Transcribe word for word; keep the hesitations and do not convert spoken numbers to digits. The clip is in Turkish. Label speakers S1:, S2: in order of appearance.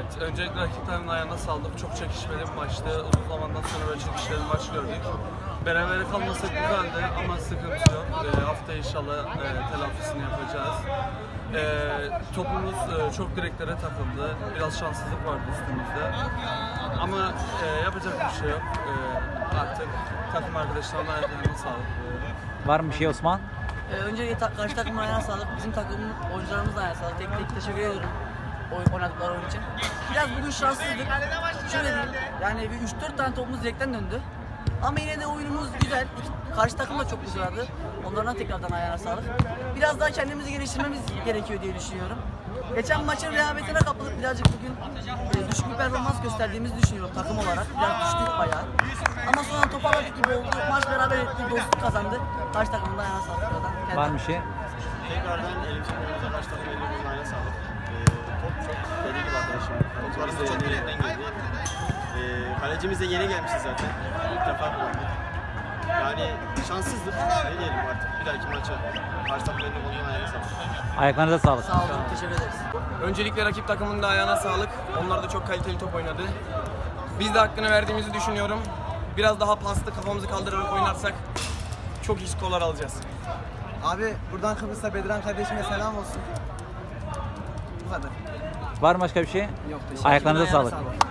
S1: Evet, öncelikle rakiplerin ayağına sağlık. Çok çekişmeli bir maçtı. Uzun zamandan sonra böyle çekişmeli bir maç gördük. Berabere kalması güzeldi ama sıkıntı yok. E, hafta inşallah e, telafisini yapacağız. E, topumuz e, çok direklere takıldı. Biraz şanssızlık vardı üstümüzde. Ama e, yapacak bir şey yok. E, artık takım arkadaşlarına ayaklarına sağlık.
S2: Var mı bir şey Osman?
S3: Ee, öncelikle ta karşı takımın ayağına sağlık, bizim takımın oyuncularımızın ayağına sağlık. Tek tek teşekkür ediyorum oy oynadıkları oyun için. Biraz bugün şanssızdık. Şöyle diyeyim, yani bir üç dört tane topumuz direkten döndü. Ama yine de oyunumuz güzel. İki, karşı takım da çok güzeldi. Onlardan tekrardan ayağına sağlık. Biraz daha kendimizi geliştirmemiz gerekiyor diye düşünüyorum. Geçen maçın rehavetine kapılıp birazcık bugün e, düşük bir performans gösterdiğimizi düşünüyorum takım olarak. Biraz düştük bayağı. Ama sonra toparladık gibi oldu. Maç beraber ettik, dostluk kazandık. Karşı takımın da ayağına sağlık. Buradan
S2: Var mı bir şey?
S4: Tekrardan elimizin önümüze karşı takım elimizin ayağına sağlık. Ee, top çok deli gibi arkadaşım. Toplarımız da çok elinden geldi. Ee, kalecimiz de yeni gelmişti zaten. İlk defa kullandık. Yani şanssızlık. Ne diyelim artık bir dahaki maça. Karşı takım elimizin ayağına sağlık.
S2: Ayaklarınıza sağlık.
S3: Sağ olun, teşekkür ederiz.
S5: Öncelikle rakip takımın da ayağına sağlık. Onlar da çok kaliteli top oynadı. Biz de hakkını verdiğimizi düşünüyorum. Biraz daha paslı kafamızı kaldırarak oynarsak çok iyi skorlar alacağız.
S6: Abi buradan Kıbrıs'a Bedran kardeşime selam olsun. Bu kadar.
S2: Var mı başka bir şey?
S6: Yok, teşekkür
S2: Ayaklarınıza
S3: Ayağına
S2: sağlık.
S3: sağlık.